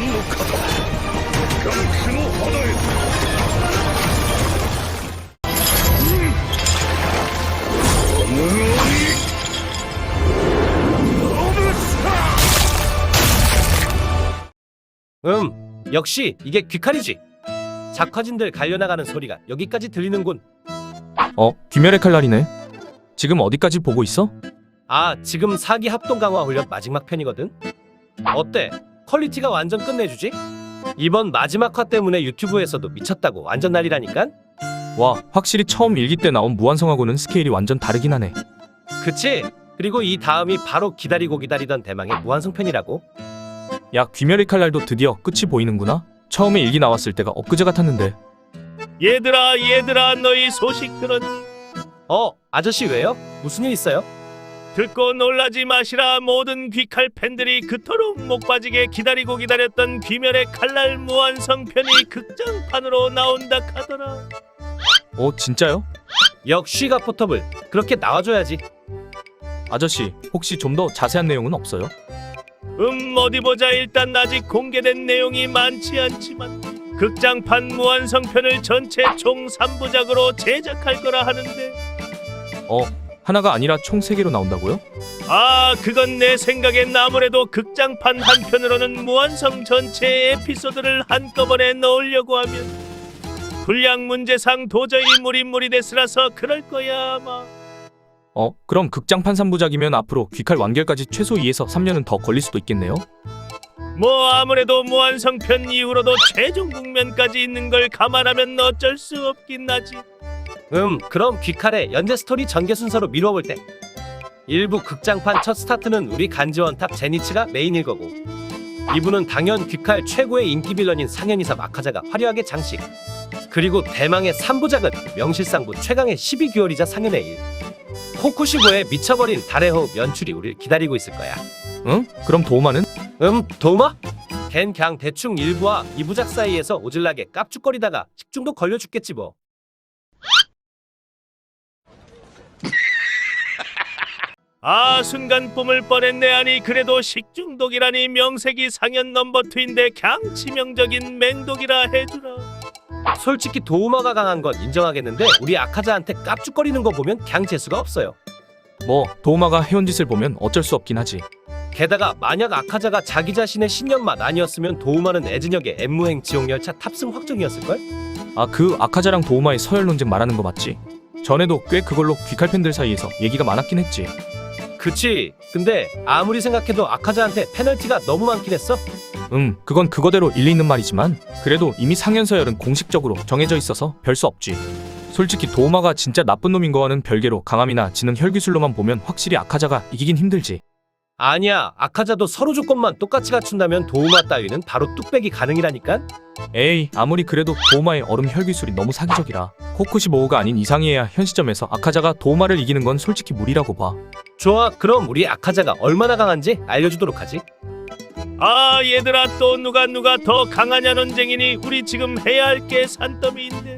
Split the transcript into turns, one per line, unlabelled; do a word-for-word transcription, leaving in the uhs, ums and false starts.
の肩ガンクの肌へこのようにロブスター
음, 역시 이게 귀칼이지. 작화진들 갈려나가는 소리가 여기까지 들리는군.
어, 귀멸의 칼날이네. 지금 어디까지 보고 있어?
아, 지금 사기 합동 강화 훈련 마지막 편이거든. 어때? 퀄리티가 완전 끝내주지? 이번 마지막 화 때문에 유튜브에서도 미쳤다고 완전 난리라니깐?
와, 확실히 처음 일기 때 나온 무한성하고는 스케일이 완전 다르긴 하네.
그치? 그리고 이 다음이 바로 기다리고 기다리던 대망의 무한성 편이라고.
야, 귀멸의 칼날도 드디어 끝이 보이는구나. 처음에 일기 나왔을 때가 엊그제 같았는데.
얘들아 얘들아 너희 소식 들었니?
어, 아저씨 왜요? 무슨 일 있어요?
듣고 놀라지 마시라. 모든 귀칼 팬들이 그토록 목 빠지게 기다리고 기다렸던 귀멸의 칼날 무한성편이 극장판으로 나온다 카더라.
어, 진짜요?
역시 가포터블. 그렇게 나와줘야지.
아저씨, 혹시 좀 더 자세한 내용은 없어요?
음 어디 보자. 일단 아직 공개된 내용이 많지 않지만 극장판 무한성편을 전체 총 삼 부작으로 제작할 거라 하는데.
어, 하나가 아니라 총 세 개로 나온다고요?
아 그건 내 생각엔 아무래도 극장판 한 편으로는 무한성 전체 에피소드를 한꺼번에 넣으려고 하면 분량 문제상 도저히 무리무리데스라서 그럴 거야 아마.
어, 그럼 극장판 삼 부작이면 앞으로 귀칼 완결까지 최소 이에서 삼 년은 더 걸릴 수도 있겠네요?
뭐 아무래도 무한성편 이후로도 최종 국면까지 있는 걸 감안하면 어쩔 수 없긴 하지.
음, 그럼 귀칼의 연재 스토리 전개 순서로 미뤄볼 때 일부 극장판 첫 스타트는 우리 간지원탑 제니츠가 메인일 거고, 이 부는 당연 귀칼 최고의 인기 빌런인 상현이사 마카자가 화려하게 장식, 그리고 대망의 삼 부작은 명실상부 최강의 십이 개월이자 상현의 일, 코쿠시고의 미쳐버린 달의 호흡 연출이 우릴 기다리고 있을 거야.
응? 그럼 도우마는?
음, 도마? 걘 그냥 대충 일 부와 이 부작 사이에서 오질나게 깝죽거리다가 식중독 걸려 죽겠지 뭐.
아 순간 뿜을 뻔했네. 아니 그래도 식중독이라니. 명색이 상현 넘버투인데 강 치명적인 맹독이라 해주라.
솔직히 도우마가 강한 건 인정하겠는데 우리 아카자한테 깝죽거리는 거 보면 그냥 재수가 없어요.
뭐, 도우마가 해온 짓을 보면 어쩔 수 없긴 하지.
게다가 만약 아카자가 자기 자신의 신년만 아니었으면 도우마는 애진역의 엠무행 지옥열차 탑승 확정이었을걸?
아, 그 아카자랑 도우마의 서열 논쟁 말하는 거 맞지? 전에도 꽤 그걸로 귀칼 팬들 사이에서 얘기가 많았긴 했지.
그치. 근데 아무리 생각해도 아카자한테 페널티가 너무 많긴 했어.
음, 그건 그거대로 일리 있는 말이지만 그래도 이미 상현 서열은 공식적으로 정해져 있어서 별 수 없지. 솔직히 도우마가 진짜 나쁜 놈인 거와는 별개로 강함이나 지능 혈기술로만 보면 확실히 아카자가 이기긴 힘들지.
아니야, 아카자도 서로 조건만 똑같이 갖춘다면 도우마 따위는 바로 뚝배기 가능이라니까?
에이, 아무리 그래도 도우마의 얼음 혈기술이 너무 사기적이라 코쿠시모우가 아닌 이상이어야 현 시점에서 아카자가 도우마를 이기는 건 솔직히 무리라고 봐.
좋아, 그럼 우리 아카자가 얼마나 강한지 알려주도록 하지.
아 얘들아 또 누가 누가 더 강하냐 논쟁이니 우리 지금 해야 할 게 산더미인데.